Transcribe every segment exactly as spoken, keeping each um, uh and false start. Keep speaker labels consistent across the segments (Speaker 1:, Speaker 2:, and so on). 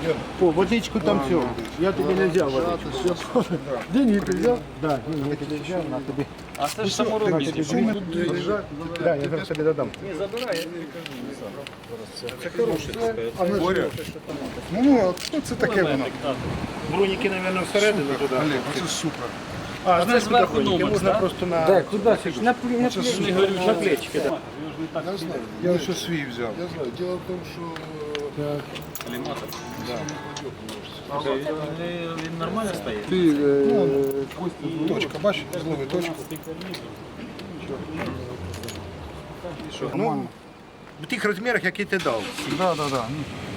Speaker 1: О, водичку там все. Я тобі не взяв водичку. Деньги ти взяв? Так, деньги ти взяв, на тобі.
Speaker 2: А це ж саморобні.
Speaker 1: Так, я зараз тобі додам.
Speaker 2: Не забирай, я тобі кажу. Це хороший, так сказати.
Speaker 3: Боря. Ну, ну, це таке воно.
Speaker 1: Броніки, мабуть, всередину туди.
Speaker 3: Олег, це супер.
Speaker 1: А, знаєш, куди
Speaker 2: зверху
Speaker 1: броніки?
Speaker 2: номер,
Speaker 1: Можна
Speaker 2: да?
Speaker 1: просто на...
Speaker 4: Так, куди сидиш? На, на,
Speaker 2: Не говорю,
Speaker 1: На
Speaker 2: що
Speaker 1: плечики, так.
Speaker 3: Я знаю. Я ще свій взяв.
Speaker 5: Я знаю. Дело в том, что
Speaker 2: Аліматор. Він нормально стоїть?
Speaker 4: Ти, е,
Speaker 3: Точка, бачиш, злови точку.
Speaker 1: Ну, в тих розмірах, які ти дав.
Speaker 3: Да, да, да.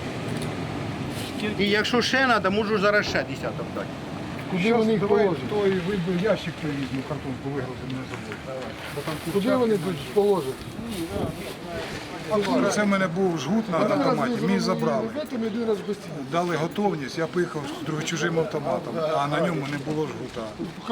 Speaker 1: І якщо ще треба, можу зараз ще десяток дати.
Speaker 4: куди вони їх
Speaker 3: Давай
Speaker 4: положать?
Speaker 3: той вибив ящик привіз, ну картонку вигрузив, не забудь.
Speaker 4: Куди вони тут положать?
Speaker 3: Це в мене був жгут на автоматі, мій забрали.
Speaker 4: Там один раз без ціни.
Speaker 3: Дали готовність, я поїхав з другим чужим автоматом, а на ньому не було жгута.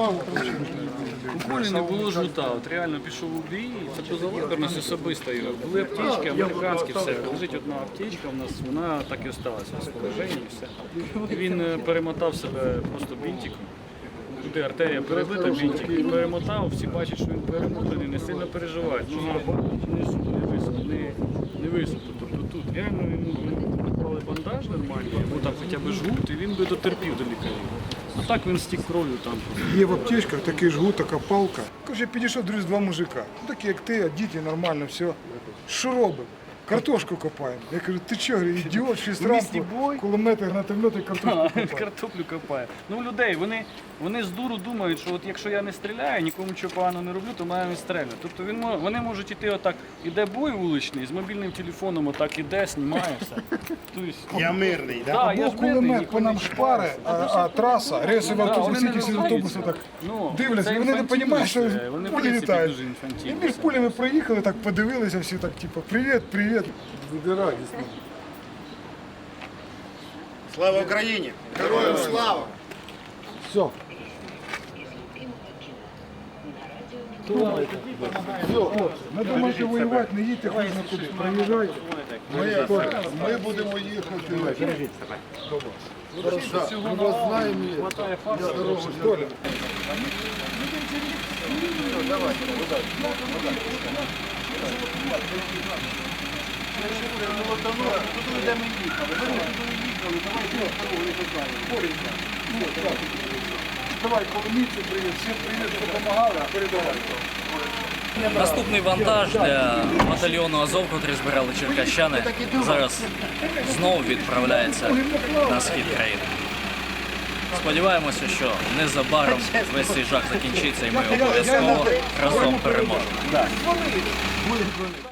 Speaker 2: У Колі не було жгута, от реально пішов у бій, це позалаберність особиста його. Були аптечки, американські, все. Лежить одна аптечка у нас, вона так і осталася в розположенні, все. І він е, перемотав себе просто бінтиком. Туди артерія перебита, бінтик, і перемотав, всі бачать, що він перемотаний, не сильно переживають. Нога не не висохла, не, не висохла. Тобто тут реально йому наклали бандаж нормальний, або там хоча б жгут, і він би дотерпів до лікарів. А так він стік кров'ю там.
Speaker 3: Є в аптечках такий жгут, така палка. Каже, підійшов друзі два мужика. Ну, такі як ти, а діти нормально, все. Що робимо? Картошку копаємо. Я кажу, ти чого, ідіот, шість
Speaker 2: місті
Speaker 3: разів,
Speaker 2: бой?
Speaker 3: кулемети, гранатомети, картошку копаємо.
Speaker 2: Картоплю копає. Ну, людей, вони, вони з дуру думають, що от якщо я не стріляю, нікому чого поганого не роблю, то маю не стріляти. Тобто він, мо- вони можуть іти отак, іде бой вуличний, з мобільним телефоном отак іде, знімає все. Тобто,
Speaker 1: Я мирний, так?
Speaker 2: да, я
Speaker 3: Або
Speaker 2: ж мирний,
Speaker 3: кулемет
Speaker 2: ніхто
Speaker 3: по нам
Speaker 2: не
Speaker 3: шпари, а, а траса, рейсовий
Speaker 2: Да,
Speaker 3: автобус,
Speaker 2: вони не
Speaker 3: якісь
Speaker 2: розуміють
Speaker 3: автобуси
Speaker 2: цього.
Speaker 3: так
Speaker 2: Ну,
Speaker 3: дивляться,
Speaker 2: це
Speaker 3: і вони не
Speaker 2: інфантильність,
Speaker 3: розуміють, що
Speaker 2: це, вони, в
Speaker 3: пулі
Speaker 2: принципі,
Speaker 3: літають.
Speaker 2: дуже інфантильні.
Speaker 3: І між пулями проїхали, так подивилися всі, так типу, привіт, привіт.
Speaker 4: Буде радісно.
Speaker 1: Слава Україні!
Speaker 5: героям слава!
Speaker 4: Все.
Speaker 3: Не думайте воювати, не їдьте, хоч на куди. Приїжджайте.
Speaker 5: Ми, ми будемо їхати.
Speaker 4: Ми вас знаємо.
Speaker 2: Хватає фарсу.
Speaker 3: Давай, коломійці, привіт, всім привіт, що допомагали, передавай.
Speaker 6: Наступний вантаж для батальйону Азов, котрий збирали черкащани, зараз знову відправляється на схід країни. Сподіваємося, що незабаром весь цей жах закінчиться і ми обов'язково разом переможемо.